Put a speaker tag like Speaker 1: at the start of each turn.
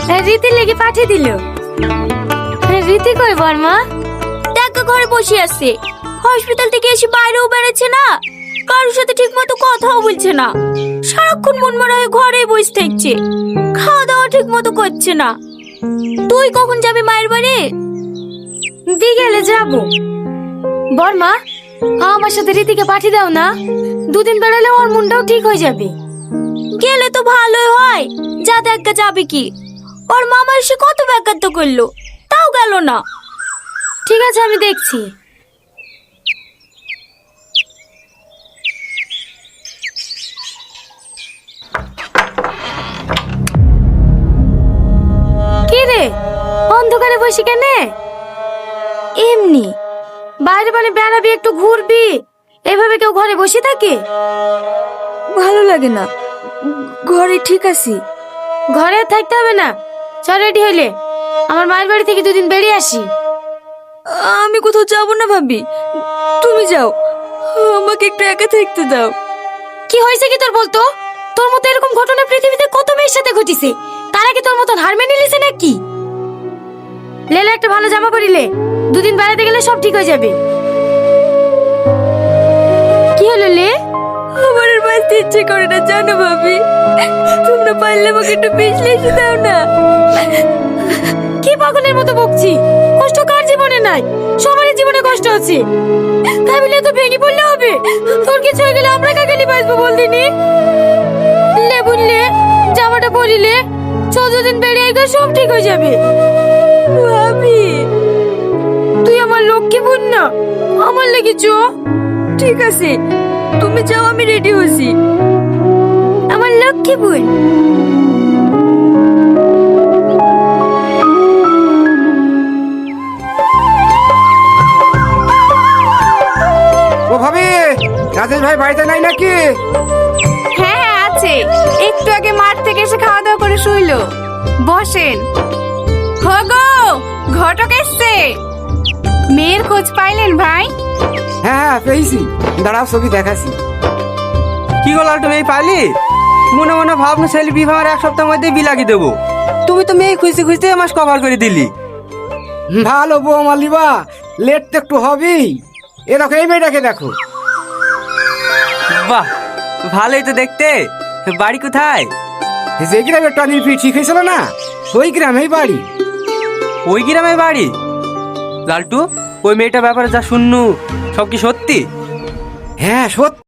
Speaker 1: রীতির লেগে পাঠিয়ে দিল। রীতি কই বর্মা?
Speaker 2: টাকা ঘরে বসে আছে, হসপিটাল থেকে এসে বাইরেও বেড়াচ্ছে না, কারোর সাথে ঠিক মতো কথাও বলছে না, সারাক্ষণ মনমরা হয়ে ঘরেই বসে থাকছে, খাওয়া দাওয়া ঠিক মতো করছে না। তুই কখন যাবি মায়ের বাড়ি?
Speaker 1: বিকেলে যাব। বর্মা, আমার সাথে রীতিকে পাঠিয়ে দাও না, দুদিন বেড়ালে ওর মনটাও ঠিক হয়ে যাবে।
Speaker 2: গেলে তো ভালোই হয়, যা দেখা যাবে কি, ওর মামা এসে কত ব্যাঘাত করলো, তাও গেল না।
Speaker 1: ঠিক আছে, আমি দেখছি। কি রে, অন্ধকারে বসে কেনে?
Speaker 2: এমনি।
Speaker 1: বাইরে মানে বেড়াবি, একটু ঘুরবি, এভাবে কেউ ঘরে বসে থাকে?
Speaker 2: ভালো লাগে না, ঘরে ঠিক আছি।
Speaker 1: ঘরে আর থাকতে হবে না, চল রেডি হইলে আমার মায়ের বাড়ি থেকে দুদিন বেরিয়ে আসি।
Speaker 2: আমি কোথাও যাব না ভাবি, তুমি যাও, আমাকে একটু একা থাকতে দাও।
Speaker 1: কি হয়েছে কি তোর বলতো? তোর মতো এরকম ঘটনা পৃথিবীতে কত মেয়ের সাথে ঘটিছে, তারা কি তোর মতন হার মেনে নিয়েছে নাকি? লেলা একটা ভালো জামা পরিলে, দুদিন বেড়াতে গেলে সব ঠিক হয়ে যাবে। কি হলো লে?
Speaker 2: আমার আর বাঁচতে ইচ্ছে করে না জানো ভাবি, তোমরা পারলে আমাকে একটু বিশ্লেষে দাও না।
Speaker 1: কি পাগলের মতো বকছি? কষ্ট কার জীবনে নাই? সবারই জীবনে কষ্ট আছে, তাই বলে তো ভেঙে পড়লে হবে? তোর কিছু হয়ে গেলে আমরা কাকালি বাঁচবো বলদিনি? লে বুঝলে, জামাটা পরিলে 14 দিন বেরিয়ে গেলে সব ঠিক হয়ে যাবে।
Speaker 2: ভাবি
Speaker 1: তুই আমার লক্ষ্মী বোন না, আমার লেগেছ।
Speaker 2: ঠিক আছে, তুমি যাও, আমি রেডি হচ্ছি।
Speaker 1: আমার লক্ষ্মী বোন।
Speaker 3: ও ভাবি, রাজেশ ভাই বাড়িতে নাই নাকি?
Speaker 2: হ্যাঁ হ্যাঁ আছে, একটু আগে মাঠ থেকে এসে খাওয়া দাওয়া করে শুইলো। বসেন। হগো, ঘটক এসছে। মেয়ের খোঁজ পাইলেন ভাই?
Speaker 3: হ্যাঁ পেয়েছি, দাঁড়াও ছবি দেখাচ্ছি।
Speaker 4: কি গো লালটু, মেয়ে পাইলি? মনে মনে ভাবনা ছেলে বিবাহের 1 সপ্তাহের মধ্যে বিলাগি দেবো, তুমি তো মেয়ে খুঁজতে খুঁজতে মাস কভার করে দিলি।
Speaker 3: ভালো বৌমা লিবা, লেট তো একটু হবেই। এ দেখো, এই মেয়েটাকে দেখো।
Speaker 4: বাহ, ভালোই তো দেখতে। বাড়ি কোথায়?
Speaker 3: যে গ্রামে টনির ফি ঠিক হয়েছিল না, ওই গ্রামেই বাড়ি।
Speaker 4: ওই গ্রামে বাড়ি? লালটু, ওই মেয়েটার ব্যাপারে যা শুননু সব কি সত্যি?
Speaker 3: হ্যাঁ সত্যি।